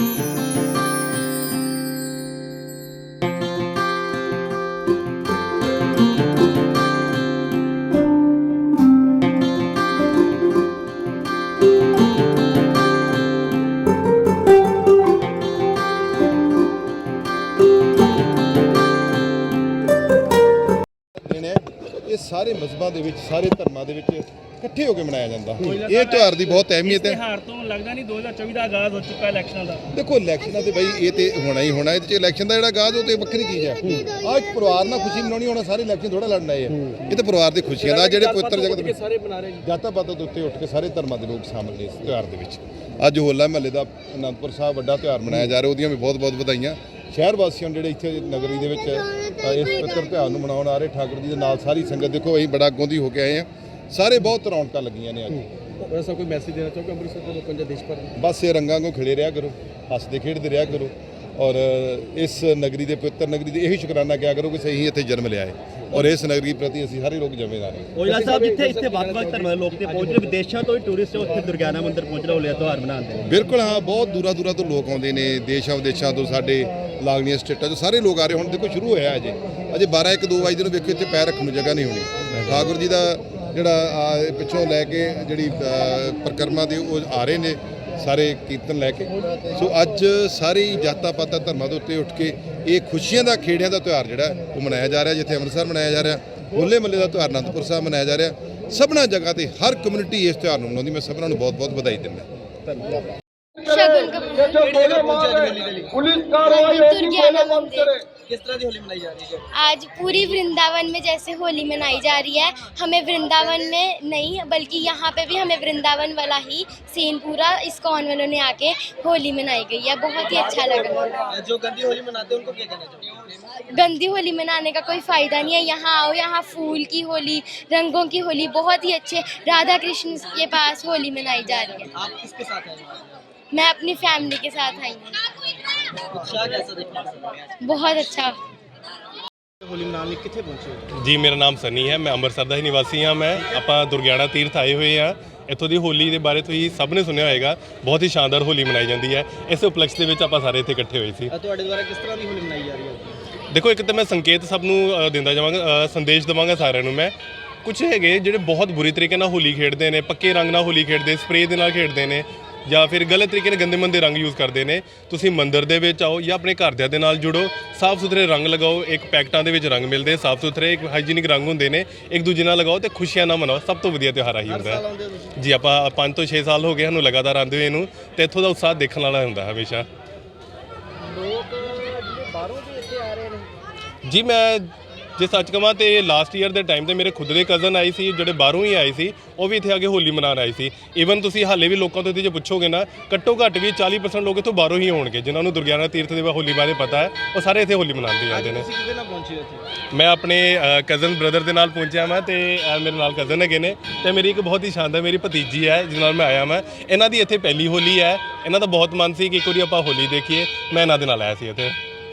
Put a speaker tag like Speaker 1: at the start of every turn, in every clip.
Speaker 1: ये सारे मजहबां दे विच सारे धर्मां दे विच इकट्ठे होकर मनाया जाता। ये त्यौहार की बहुत अहमियत है।
Speaker 2: त्यौहार तो लगता नहीं 2024 का आगाज़ हो चुका है इलैक्शन का।
Speaker 1: देखो इलैक्शन तो बई ये तो होना ही होना, ये इलैक्शन का जो आगाज़ वो तो वक्री चीज़ है। आज परिवार ना खुशी मनानी होना, सारे इलैक्शन थोड़ा लड़ना है। ये तो परिवार की खुशियां का जो पवित्र जगत
Speaker 2: सारे बना रहे हैं।
Speaker 1: जाता पाता के उत्ते उठ के सारे धर्मां के लोग शामिल ने इस त्यौहार के। अज होला महल्ले का आनंदपुर साहब वड्डा त्यौहार मनाया जा रहा, वो भी बहुत बहुत बधाइयां शहर वासियों जो इतने नगरी के इस पवित्र त्यौहार मनाने आ रहे। ठाकुर जी के नाल सारी संगत देखो अं बड़ा अगों की होकर आए हैं, सारे बहुत रौनक लगियां ने। अज
Speaker 2: ऐसा कोई मैसेज देना चाहोगे अमृतसर के लोगों को, देश भर में?
Speaker 1: बस ये रंगां को खिले रहा करो, हसते खेडते रहा करो और इस नगरी के पवित्र नगरी यही शुकराना किया करो कि सही इतने जन्म लिया है और इस नगरी प्रति असीं सारे लोग जिम्मेदार हैं।
Speaker 2: ओइला साहब जिथे इत्थे ਵੱਖ-ਵੱਖ ਧਰਮਾਂ ਦੇ ਲੋਕ ਤੇ ਪਹੁੰਚ ਰਹੇ, ਵਿਦੇਸ਼ਾਂ ਤੋਂ ਵੀ ਟੂਰਿਸਟ ਉੱਥੇ ਦੁਰਗਿਆਨਾ ਮੰਦਿਰ ਪਹੁੰਚ ਰਹੇ ਹੋਲੇ ਤਿਉਹਾਰ ਮਨਾਉਂਦੇ ਨੇ।
Speaker 1: बिल्कुल हाँ, बहुत दूरा दूरा तो लोग आते हैं, देशों विदेशों तो साढ़े लागलियां स्टेटां तो सारे लोग आ रहे। हुण देखो शुरू होया अजे 12-1-2 बजे देखो इत्थे पैर रखने की जगह नहीं होनी। ठाकुर जी का जिहड़ा पिछों लैके जिहड़ी परिक्रमा दे आ रहे ने सारे कीर्तन लैके। सो अज सारी जाता पाता धर्मां दे उत्ते उठ के ये खुशियां का खेड़ियां का त्यौहार जिहड़ा वो मनाया जा रहा। जिथे अमृतसर मनाया जा रहा, होले महल्ले का त्यौहार आनंदपुर साहब मनाया जा रहा। सबना जगह पर हर कम्यूनिटी इस त्यौहार को मनाउंदी। मैं सबना बहुत बहुत बधाई दिंदा।
Speaker 2: किस तरह की होली मनाई जा रही है?
Speaker 3: आज पूरी वृंदावन में जैसे होली मनाई जा रही है, हमें वृंदावन में नहीं बल्कि यहाँ पे भी हमें वृंदावन वाला ही सीन पूरा इस्कॉन वालों ने आके होली मनाई गई है। बहुत ही अच्छा लगा।
Speaker 2: जो गंदी होली मनाते हैं उनको क्या कहना चाहिए?
Speaker 3: गंदी होली मनाने का कोई फ़ायदा नहीं है। यहाँ आओ, यहाँ फूल की होली, रंगों की होली, बहुत ही अच्छे राधा कृष्ण के पास होली मनाई जा रही है।
Speaker 2: आप किसके साथ हैं?
Speaker 3: मैं अपनी फैमिली के साथ आई हूँ।
Speaker 2: उत्साह कैसा देखा?
Speaker 3: बहुत अच्छा।
Speaker 2: होली मनाने कितने पहुंचे?
Speaker 4: जी मेरा नाम सनी है, मैं ਅੰਮ੍ਰਿਤਸਰ ਦਾ ਹੀ ਨਿਵਾਸੀ ਹਾਂ। ਮੈਂ ਆਪਾਂ ਦੁਰਗਿਆਣਾ ਤੀਰਥ ਆਏ ਹੋਏ ਹਾਂ। ਇੱਥੋਂ ਦੀ ਹੋਲੀ ਦੇ ਬਾਰੇ ਤੁਸੀਂ ਸਭ ਨੇ ਸੁਣਿਆ ਹੋਏਗਾ, ਬਹੁਤ ਹੀ ਸ਼ਾਨਦਾਰ ਹੋਲੀ ਮਨਾਈ ਜਾਂਦੀ ਹੈ। ਇਸ ਉਪਲਕਸ਼ ਦੇ ਵਿੱਚ ਆਪਾਂ ਸਾਰੇ ਇੱਥੇ ਇਕੱਠੇ ਹੋਏ ਸੀ।
Speaker 2: ਤੁਹਾਡੇ ਦੁਆਰਾ ਕਿਸ ਤਰ੍ਹਾਂ ਦੀ ਹੋਲੀ ਮਨਾਈ ਜਾ ਰਹੀ ਹੈ?
Speaker 4: ਦੇਖੋ ਇੱਕ ਤਾਂ ਮੈਂ ਸੰਕੇਤ ਸਭ ਨੂੰ ਦਿੰਦਾ ਜਾਵਾਂਗਾ, ਸੰਦੇਸ਼ ਦੇਵਾਂਗਾ ਸਾਰਿਆਂ ਨੂੰ। ਮੈਂ ਕੁਝ ਹੈਗੇ ਜਿਹੜੇ ਬਹੁਤ ਬੁਰੀ ਤਰੀਕੇ ਨਾਲ ਹੋਲੀ ਖੇਡਦੇ ਨੇ, ਪੱਕੇ ਰੰਗ ਨਾਲ ਹੋਲੀ ਖੇਡਦੇ, ਸਪਰੇਅ ਦੇ ਨਾਲ ਖੇਡਦੇ ਨੇ ਜਾਂ ਫਿਰ ਗਲਤ ਤਰੀਕੇ ਨਾਲ ਗੰਦੇ ਮੰਦੇ ਰੰਗ ਯੂਜ਼ ਕਰਦੇ ਨੇ। ਤੁਸੀਂ ਮੰਦਿਰ ਦੇ ਵਿੱਚ ਆਓ ਜਾਂ ਆਪਣੇ ਘਰਦਿਆਂ ਦੇ ਨਾਲ ਜੁੜੋ, ਸਾਫ਼ ਸੁਥਰੇ ਰੰਗ ਲਗਾਓ। ਇੱਕ ਪੈਕਟਾਂ ਦੇ ਵਿੱਚ ਰੰਗ ਮਿਲਦੇ, ਸਾਫ਼ ਸੁਥਰੇ ਇੱਕ ਹਾਈਜੀਨਿਕ ਰੰਗ ਹੁੰਦੇ ਨੇ, ਇੱਕ ਦੂਜੇ ਨਾਲ ਲਗਾਓ ਤੇ ਖੁਸ਼ੀਆਂ ਨਾਲ ਮਨਾਓ। ਸਭ ਤੋਂ ਵਧੀਆ ਤਿਉਹਾਰ ਆਹੀ ਹੁੰਦਾ ਹੈ ਜੀ। ਆਪਾਂ 5 ਤੋਂ 6 ਸਾਲ ਹੋ ਗਏ ਸਾਨੂੰ ਲਗਾਤਾਰ ਆਉਂਦੇ ਹੋਏ ਨੂੰ, ਤੇ ਇੱਥੋਂ ਦਾ ਉਤਸ਼ਾਹ ਦੇਖਣ ਵਾਲਾ ਹੁੰਦਾ ਹਮੇਸ਼ਾ।
Speaker 2: ਲੋਕ ਜਿਹੜੇ ਬਾਹਰੋਂ ਵੀ ਇੱਥੇ ਆ ਰਹੇ ਨੇ
Speaker 4: ਜੀ ਮੈਂ ਜੇ ਸੱਚ ਕਹਾਂ ਤੇ ਲਾਸਟ ਈਅਰ ਦੇ ਟਾਈਮ ਤੇ ਮੇਰੇ ਖੁਦ ਦੇ ਕਜ਼ਨ ਆਏ ਸੀ ਜਿਹੜੇ ਬਾਹਰੋਂ ਹੀ ਆਏ ਸੀ, ਉਹ ਵੀ ਇੱਥੇ ਆ ਕੇ ਹੋਲੀ ਮਨਾਉਣ ਆਏ ਸੀ। ਈਵਨ ਤੁਸੀਂ ਹਾਲੇ ਵੀ ਲੋਕਾਂ ਤੋਂ ਇੱਥੇ ਜੇ ਪੁੱਛੋਗੇ ਨਾ, ਘੱਟੋ ਘੱਟ ਵੀ 40% ਲੋਕ ਇੱਥੋਂ ਬਾਹਰੋਂ ਹੀ ਹੋਣਗੇ ਜਿਨ੍ਹਾਂ ਨੂੰ ਦੁਰਗਿਆਨਾ ਤੀਰਥ ਦੇ ਹੋਲੀ ਬਾਰੇ ਪਤਾ ਹੈ। ਉਹ ਸਾਰੇ ਇੱਥੇ ਹੋਲੀ ਮਨਾਉਂਦੇ ਜਾਂਦੇ ਨੇ।
Speaker 2: ਤੁਸੀਂ ਕਿਹਦੇ ਨਾਲ ਪਹੁੰਚੇ ਇੱਥੇ?
Speaker 4: ਮੈਂ ਆਪਣੇ ਕਜ਼ਨ ਬ੍ਰਦਰ ਦੇ ਨਾਲ ਪਹੁੰਚਿਆ ਮੈਂ, ਤੇ ਮੇਰੇ ਨਾਲ ਕਜ਼ਨ ਹੈਗੇ ਨੇ, ਤੇ ਮੇਰੀ ਇੱਕ ਬਹੁਤ ਹੀ ਸ਼ਾਨਦਾਰ ਮੇਰੀ ਭਤੀਜੀ ਹੈ ਜਿਸ ਨਾਲ ਮੈਂ ਆਇਆ। ਮੈਂ ਇਹਨਾਂ ਦੀ ਇੱਥੇ ਪਹਿਲੀ ਹੋਲੀ ਹੈ। ਇਹਨਾਂ ਦਾ ਬਹੁਤ ਮਨ ਸੀ ਕਿ ਇੱਕ ਵਾਰੀ ਆਪਾਂ ਹੋਲੀ ਦੇਖੀਏ। ਮੈਂ ਇਹਨਾਂ ਦੇ ਨਾਲ ਆਇਆ ਸੀ ਇੱਥੇ।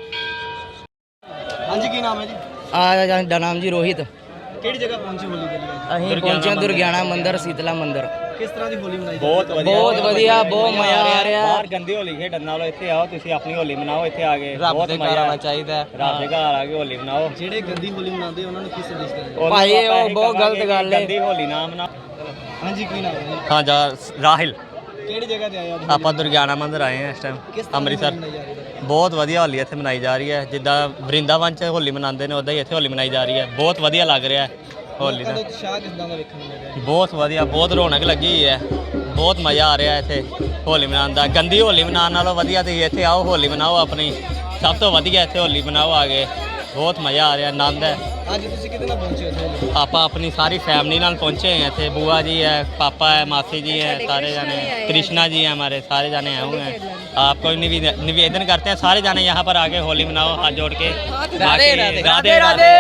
Speaker 2: ਹਾਂਜੀ, ਕੀ ਨਾਮ ਹੈ ਜੀ?
Speaker 5: ਦਾ ਨਾਮ ਜੀ ਰੋਹਿਤ।
Speaker 2: ਕਿਹੜੀ ਜਗ੍ਹਾ ਪਹੁੰਚੇ ਹੋਲੀ ਦੇ ਲਈ?
Speaker 5: ਅਸੀਂ ਪਹੁੰਚੇ ਦੁਰਗਿਆਨਾ ਮੰਦਿਰ, ਸ਼ੀਤਲਾ ਮੰਦਿਰ।
Speaker 2: ਕਿਸ ਤਰ੍ਹਾਂ ਦੀ ਹੋਲੀ ਮਨਾਈ?
Speaker 5: ਬਹੁਤ ਵਧੀਆ, ਬਹੁਤ ਮਜ਼ਾ ਆ ਰਿਹਾ।
Speaker 6: ਬਾਹਰ ਗੰਦੀ ਹੋਲੀ ਖੇਡਣ ਨਾਲੋਂ ਇੱਥੇ ਆਓ, ਤੁਸੀਂ ਆਪਣੀ ਹੋਲੀ ਮਨਾਓ। ਇੱਥੇ ਆ ਕੇ ਬਹੁਤ ਮਜ਼ਾ ਆਉਣਾ ਚਾਹੀਦਾ। ਰੱਬ ਦੇ ਘਰ ਆ ਕੇ ਹੋਲੀ ਮਨਾਓ।
Speaker 2: ਜਿਹੜੇ ਗੰਦੀ ਹੋਲੀ ਮਨਾਉਂਦੇ ਉਹਨਾਂ ਨੂੰ ਕੀ ਸੰਦੇਸ਼ ਦੇਣਾ?
Speaker 5: ਭਾਈ ਉਹ ਬਹੁਤ ਗਲਤ ਗੱਲ ਹੈ,
Speaker 6: ਗੰਦੀ ਹੋਲੀ ਨਾ ਮਨਾਓ।
Speaker 2: ਹਾਂਜੀ, ਕੀ ਨਾਮ ਹੈ ਜੀ?
Speaker 6: ਹਾਂ ਜਾ ਰਾਹਿਲ।
Speaker 2: ਕਿਹੜੀ ਜਗ੍ਹਾ ਤੇ ਆਏ ਅੱਜ?
Speaker 6: ਆਪਾਂ ਦੁਰਗਿਆਨਾ ਮੰਦਿਰ ਆਏ ਹਾਂ ਇਸ ਟਾਈਮ ਅੰਮ੍ਰਿਤਸਰ।
Speaker 2: ਮਨਾਈ ਜਾ ਰਹੀ ਹੈ?
Speaker 6: ਬਹੁਤ ਵਧੀਆ ਹੋਲੀ ਇੱਥੇ ਮਨਾਈ ਜਾ ਰਹੀ ਹੈ। ਜਿੱਦਾਂ ਵਰਿੰਦਾਵਨ 'ਚ ਹੋਲੀ ਮਨਾਉਂਦੇ ਨੇ ਉੱਦਾਂ ਹੀ ਇੱਥੇ ਹੋਲੀ ਮਨਾਈ ਜਾ ਰਹੀ ਹੈ। ਬਹੁਤ ਵਧੀਆ ਲੱਗ ਰਿਹਾ ਹੈ ਹੋਲੀ ਦਾ।
Speaker 2: ਉਤਸ਼ਾਹ ਕਿਸ ਤਰ੍ਹਾਂ ਦਾ ਵੇਖਣ ਨੂੰ ਮਿਲ ਰਿਹਾ?
Speaker 6: ਬਹੁਤ ਵਧੀਆ, ਬਹੁਤ ਰੌਣਕ ਲੱਗੀ ਹੋਈ ਹੈ। ਬਹੁਤ ਮਜ਼ਾ ਆ ਰਿਹਾ ਇੱਥੇ ਹੋਲੀ ਮਨਾਉਣ ਦਾ। ਗੰਦੀ ਹੋਲੀ ਮਨਾਉਣ ਨਾਲੋਂ ਵਧੀਆ ਤੁਸੀਂ ਇੱਥੇ ਆਓ, ਹੋਲੀ ਮਨਾਓ ਆਪਣੀ। ਸਭ ਤੋਂ ਵਧੀਆ ਇੱਥੇ ਹੋਲੀ ਮਨਾਓ ਆ ਕੇ। ਬਹੁਤ ਮਜ਼ਾ ਆ ਰਿਹਾ, ਆਨੰਦ ਹੈ।
Speaker 2: ਅੱਜ ਤੁਸੀਂ ਕਿਹਦੇ ਨਾਲ ਪਹੁੰਚੇ ਇੱਥੇ?
Speaker 6: ਆਪਾਂ ਆਪਣੀ ਸਾਰੀ फैमिली नाल पहुँचे हैं इतने। बुआ जी है, पापा है, मासी जी हैं, सारे जाने कृष्णा जी हैं, हमारे सारे जाने आए हुए हैं। आपको निवेदन करते हैं सारे जाने यहाँ पर आके होली मनाओ हाथ जोड़ के। राधे राधे राधे।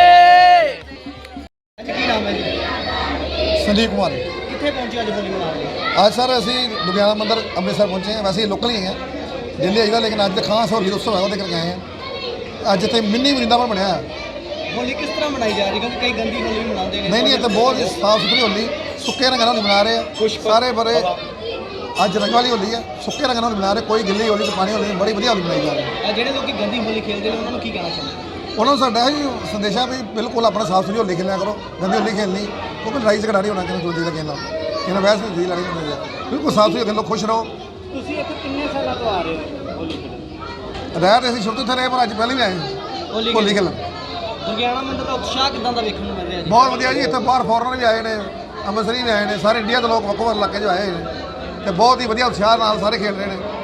Speaker 2: ਕੀ ਨਾਮ ਹੈ ਜੀ?
Speaker 7: संदीप कुमार।
Speaker 2: ਕਿੱਥੇ ਪਹੁੰਚੇ ਅੱਜ ਹੋਲੀ ਮਨਾ ਰਹੇ?
Speaker 7: आज सर असी दुर्गियाना मंदिर अमृतसर पहुँचे हैं। वैसे लोकल ही हैं, दिल्ली आईदा, लेकिन अज खास होली उत्सव है वो करके आए हैं। अज इतने मिनी वृंदावन बनया।
Speaker 2: होली किस तरह मनाई जा रही है? क्योंकि कई गंदी होली भी मनाते हैं।
Speaker 7: नहीं, इतने बहुत साफ सुथरी होली, सुक्के रंग होली मना रहे हैं सारे। बड़े ਅੱਜ ਰੰਗ ਵਾਲੀ ਹੋਲੀ ਹੈ, ਸੁੱਕੇ ਰੰਗ ਨਾਲ ਮਨਾ ਰਹੇ, ਕੋਈ ਗਿੱਲੀ ਹੋਲੀ ਤੇ ਪਾਣੀ ਹੋਲੀ, ਬੜੀ ਵਧੀਆ ਹੋਲੀ ਮਨਾਈ ਜਾ ਰਹੀ ਹੈ।
Speaker 8: ਜਿਹੜੇ ਲੋਕੀ ਗੰਦੀ ਹੋਲੀ ਖੇਡਦੇ ਨੇ ਉਹਨਾਂ ਨੂੰ ਕੀ ਕਹਿਣਾ ਚਾਹੁੰਦੇ?
Speaker 7: ਉਹਨਾਂ ਨੂੰ ਸਾਡਾ ਹੀ ਸੰਦੇਸ਼ਾ ਵੀ ਬਿਲਕੁਲ ਆਪਣਾ ਸਾਫ ਸੁਥਰੀ ਹੋਲੀ ਖੇਲਿਆ ਕਰੋ, ਗੰਦੀ ਹੋਲੀ ਖੇਲਣੀ ਕਿਉਂਕਿ ਲੜਾਈ ਝਗੜਾ ਨਹੀਂ ਹੋਣਾ ਕਿਸੇ ਦੂਜੇ ਦਾ ਕਿਸੇ ਨਾਲ, ਇਹਨਾਂ ਵੈਸੇ ਦੀ ਲੜਾਈ ਹੁੰਦੀ ਹੈ। ਬਿਲਕੁਲ ਸਾਫ ਸੁਥਰੀ ਖੇਲੋ, ਖੁਸ਼ ਰਹੋ।
Speaker 2: ਤੁਸੀਂ ਇੱਥੇ ਕਿੰਨੇ ਸਾਲਾਂ ਤੋਂ ਆ ਰਹੇ ਹੋ ਹੋਲੀ ਖੇਡਣ?
Speaker 7: ਰਹਿ ਰਹੇ ਅਸੀਂ ਸ਼ੁਰੂ ਤੋਂ ਇੱਥੇ ਰਹੇ, ਪਰ ਅੱਜ ਪਹਿਲਾਂ ਵੀ ਆਏ ਹੋਲੀ ਖੇਲਣ।
Speaker 8: ਦੁਰਗਿਆਣਾ ਮੰਦਿਰ ਦਾ ਉਤਸ਼ਾਹ ਕਿਦਾਂ ਦਾ ਵੇਖਣ ਨੂੰ ਮਿਲ ਰਿਹਾ ਜੀ?
Speaker 7: ਬਹੁਤ ਵਧੀਆ ਜੀ, ਇੱਥੇ ਬਾਹਰ ਫੋਰਨਰ ਵੀ ਆਏ ਨੇ, ਅੰਮ੍ਰਿਤਸਰੀ ਵੀ ਆਏ ਨੇ, ਸਾਰੇ ਇੰਡੀਆ ਦੇ ਲੋਕ ਵੱਖੋ ਵੱਖ ਇਲਾਕੇ 'ਚੋਂ ਆਏ ਨੇ ਤੇ ਬਹੁਤ ਹੀ ਵਧੀਆ ਉਤਸ਼ਾਹ ਨਾਲ ਸਾਰੇ ਖੇਡ ਰਹੇ ਨੇ।